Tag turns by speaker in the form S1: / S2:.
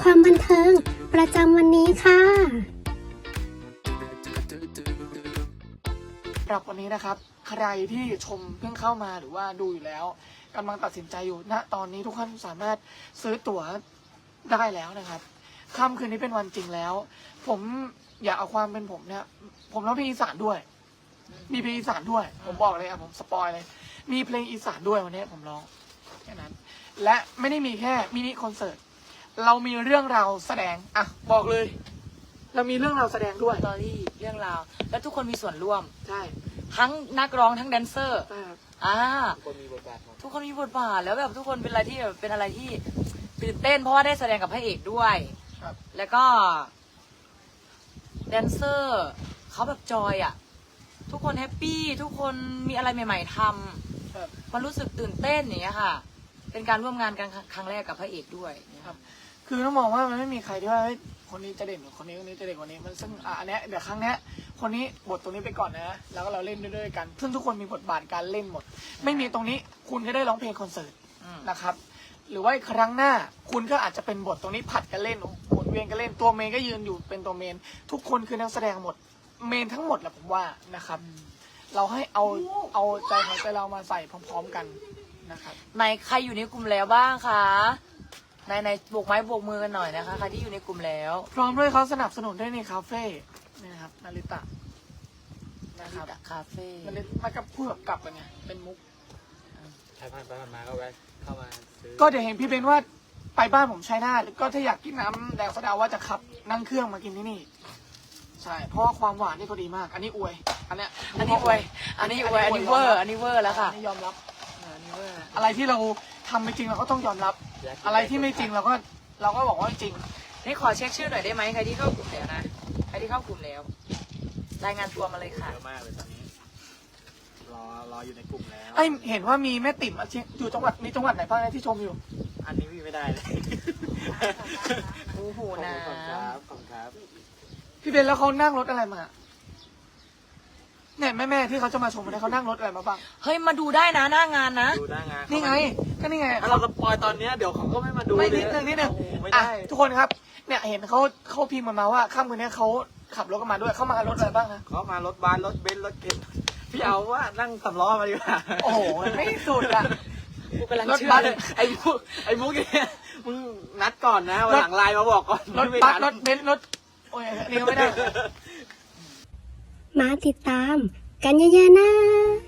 S1: ความบันเทิงประจำวันนี้ค่ะ
S2: สำหรับวันนี้นะครับใครที่ชมเพิ่งเข้ามาหรือว่าดูอยู่แล้วกำลังตัดสินใจอยู่ณตอนนี้ทุกท่านสามารถซื้อตั๋วได้แล้วนะครับค่ำคืนนี้เป็นวันจริงแล้วผมอยากเอาความเป็นผมเนี่ยผมร้องเพลงอีสานด้วยมีเพลงอีสานด้วยผมบอกเลยผมสปอยเลยมีเพลงอีสานด้วยวันนี้ผมร้องแค่นั้นและไม่ได้มีแค่มินิคอนเสิร์ตเรามีเรื่องราวแสดงบอกเลยเรามีเรื่องราวแสดงด้วย
S3: สตอรี่เรื่องราวและทุกคนมีส่วนร่วม
S2: ใช่
S3: ทั้งนักร้องทั้งแดนเซอร์
S2: ทุ
S3: ทุกคนมีบทบาทแล้วแบบทุกคนเป็นอะไรที่แบบเป็นอะไรที่ตื่นเต้นเพราะว่าได้แสดงกับพระเอกด้วยแล้วก็แดนเซอร์เขาแบบจอยทุกคนแฮปปี้ทุกคนมีอะไรใหม่ๆทำมันรู้สึกตื่นเต้นอย่างเงี้ยค่ะเป็นการร่วมงานกันครั้งแรกกับพระเอกด้วย
S2: ครับคือต้องมองว่ามันไม่มีใครที่ว่าคนนี้จะเด่นกว่าคนนี้จะเด่นกว่านี้มันซึ่งอันเนี้ยเดี๋ยวครั้งเนี้ยคนนี้บทตรงนี้ไปก่อนนะแล้วก็เราเล่นด้วยกันซึ่งทุกคนมีบทบาทการเล่นหมดไม่มีตรงนี้คุณก็ได้ร้องเพลงคอนเสิร์ตนะครับหรือว่าครั้งหน้าคุณก็อาจจะเป็นบทตรงนี้ผัดกันเล่นหมุนเวียนกันเล่นตัวเมนก็ยืนอยู่เป็นตัวเมนทุกคนคือนักแสดงหมดเมนทั้งหมดแหละผมว่านะครับเราให้เอาใจของใจเรามาใส่พร้อมๆกันนะครับ
S3: ในใครอยู่ในกลุ่มแล้วบ้างคะในโบกไม้โบกมือกันหน่อยนะคะใครที่อยู่ในกลุ่มแล้ว
S2: พร้อมด้วยเขาสนับสนุนด้วยในคาเฟ่นี่นะครับนาริตะนะครับ
S3: คาเฟ่
S2: นาริตะมากับพูดแบบกลับกันไงเป็นมุก
S4: ใครผ่านไปผ่านมาก็แวะเข้ามาซื้อ
S2: ก็เดี๋ยวเห็นพี่เบนว่าไปบ้านผมชัยนาทก็ถ้าอยากกินน้ำแดงโซดาว่าจะขับนั่งเครื่องมากินที่นี่ใช่เพราะว่าความหวานนี่ก็ดีมากอันนี้อวยอันนี้อวยอันนี้เวอร์แล้วค่ะยอมรับอะไรที่เราทำไม่จริงเราก็ต้องยอมรับอะไรที่ไม่จริงเราก็บอกว่าจริง
S3: นี่ขอเช็คชื่อหน่อยได้ไหมใครที่เข้ากลุ่มแล้วนะใครที่เข้ากลุ่มแล้วรายงานตัวมาเลยค่ะ
S4: เยอะมากเลยตอนนี้รออยู่ในกลุ่มแล้ว
S2: เห็นว่ามีแม่ติ๋มอยู่จังหวัดมีจังหวัดไหนบ้างที่ชมอยู่
S4: อันนี้พี่ไม่ได้เลย
S3: โอ้โหนะ
S4: ขอบครับ
S2: พี่เบนแล้วเขานั่งรถอะไรมาเนี่ยแม่ที่เขาจะมาชมเขานั่งรถอะไรมาบ้าง
S3: เฮ้ยมาดูได้นะหน้างานนะ
S4: ดูหน้างาน
S2: นี่ไงก็นี่ไง
S4: เราสปอยตอนนี้เดี๋ยวเขาก็ไม่มาดู
S2: ไม่นิดนึงทุกคนครับเนี่ยเห็นเขาพิมพ์มาว่าค่ำคืนนี้เขาขับรถกันมาด้วยเขามารถอะไรบ้างคะ
S4: เขามารถบัสรถเบนซ์รถเก๋งพี่เอาว่านั่งสำล้อมาดีกว่า
S2: โอ้โหไม่สุด
S3: รถบัส
S4: ไอ้มุกเนี่ยมึงนัดก่อนนะวันหลังไลน์มาบอกก่อน
S2: รถบัสรถเบนซ์รถโอ้ยนี่ก็ไม่ได้
S1: มาติดตามกันเยอะๆนะ